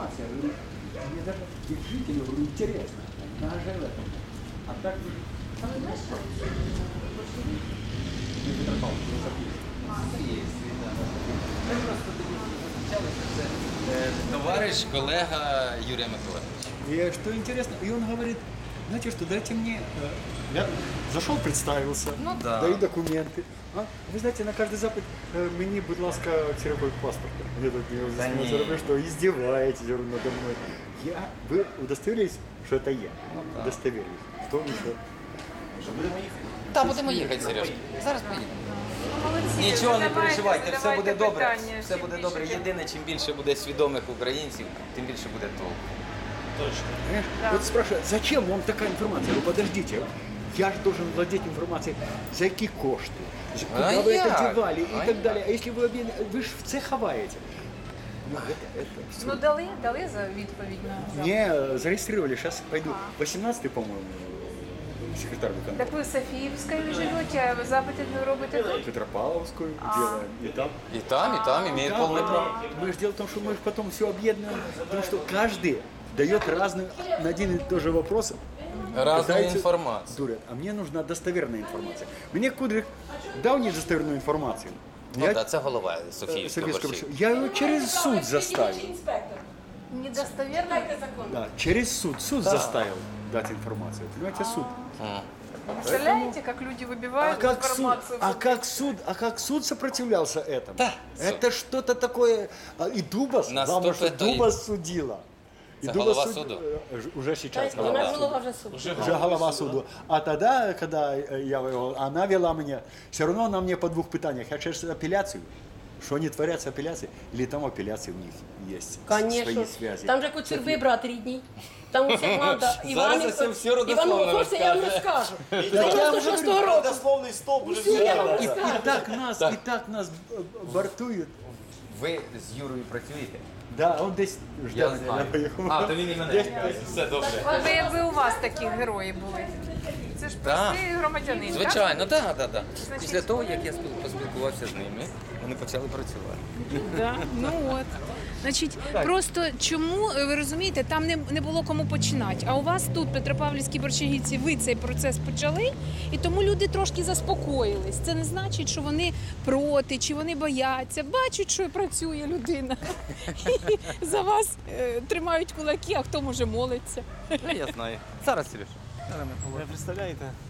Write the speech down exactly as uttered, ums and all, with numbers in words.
информация. Я говорю, мне даже их жителям говорю, интересно. Даже в этом. А так вы... А ви знаєш, що Не Петропавл, философия. Ми просто тоді зустрічалися, це е, товариш, колега Юрія Миколаївича. И что интересно, и он говорит, знаете что, дайте мне... э, Я зашел, представился, Ну да. даю документы. А? Вы знаете, на каждый запит э, мені, будь ласка, ксерокопию паспорта. Я так не Да не. заробляю, что издеваетесь говорю, надо мной. Я, вы удостоверились, что это я? Ну да. Удостоверились. Кто еще? Так, будемо їхати, Сережка. Зараз поїдемо. молодці, Нічого не задавайте, переживайте, все задавайте буде добре. питання, Все чим буде більше, добре. тим- Єдине, чим більше буде свідомих українців, тим більше буде толку. Понимаешь? Да. Вот спрашивают, зачем вам такая информация? Ну подождите, я же должен владеть информацией, за какие кошты, за- куда А вы як? это девали и А так як? далее. А если вы объявили, вы же в це ховаете. Ну, это, это всё. Ну дали, дали за відповідь на запит? Мне зарегистрировали, сейчас пойду. восемнадцатый, по-моему, секретарь Так виконкома. ви в Софіївській живете, а ви запити не робите тут? Петропавловскую А. делаем. И там. І там, і там імеє Да, повне да. право. Мы же дело в том, что мы же потом все объединяем, потому что каждый дает разную, на один и тот же вопрос. Разну пытается- інформацію. Дурят. А мне нужна достоверная информация. Мне Кудрик дал недостоверную информацию. Ну Я, так, це голова э, Софіївської Советского борщі. Борщева. Я его через суд заставил. Недостовірно? Да, через суд. Суд заставил дать информацию. Понимаете, суд. Представляете, как люди А выбивают как суд, информацию? а как суд, а как суд сопротивлялся этому? Да, Это что-то такое. А, И Дубас, На главное, сто что пятый. Дубас судила. И Это Дубас голова суд- суду? э, ж- Уже сейчас Голова голова суду. суда. вже суд. Уже голова суду. А тогда, когда э, я воевал, она вела меня, все равно она мне по двух питаниях. Я через апелляцию. Что они творят с апелляцией? Или там апелляции у них есть Конечно. свои связи? Там же Коцюрби брат рідний. Там усіх надо. Зараз я всім все родословно Івану Форсі я вам розкаже. розкажу. я Це вам дев'яносто шостого року. Родословний стовп уже Усю я вам И, розкажу. и так нас, и так нас э, бортуют. Ви з Юрою працюєте? Да, он здесь ждал Я меня, знаю. поехал. А, то він і мене чекає. Все добре. Ви якби у вас такі герої були. Це ж Так. простий громадянин, так? Звичайно, так, так, так. Значить- Після того, як я спіл- поспілкувався з ними, вони почали працювати. Да, ну от. Значить, просто чому, ви розумієте, там не, не було кому починати. А у вас тут, Петропавлівській Борщагівці, ви цей процес почали, і тому люди трошки заспокоїлись. Це не значить, що вони проти, чи вони бояться. Бачать, що працює людина. І за вас е, тримають кулаки, а хто може молиться. Я знаю. Зараз, Сереж. Ви представляєте?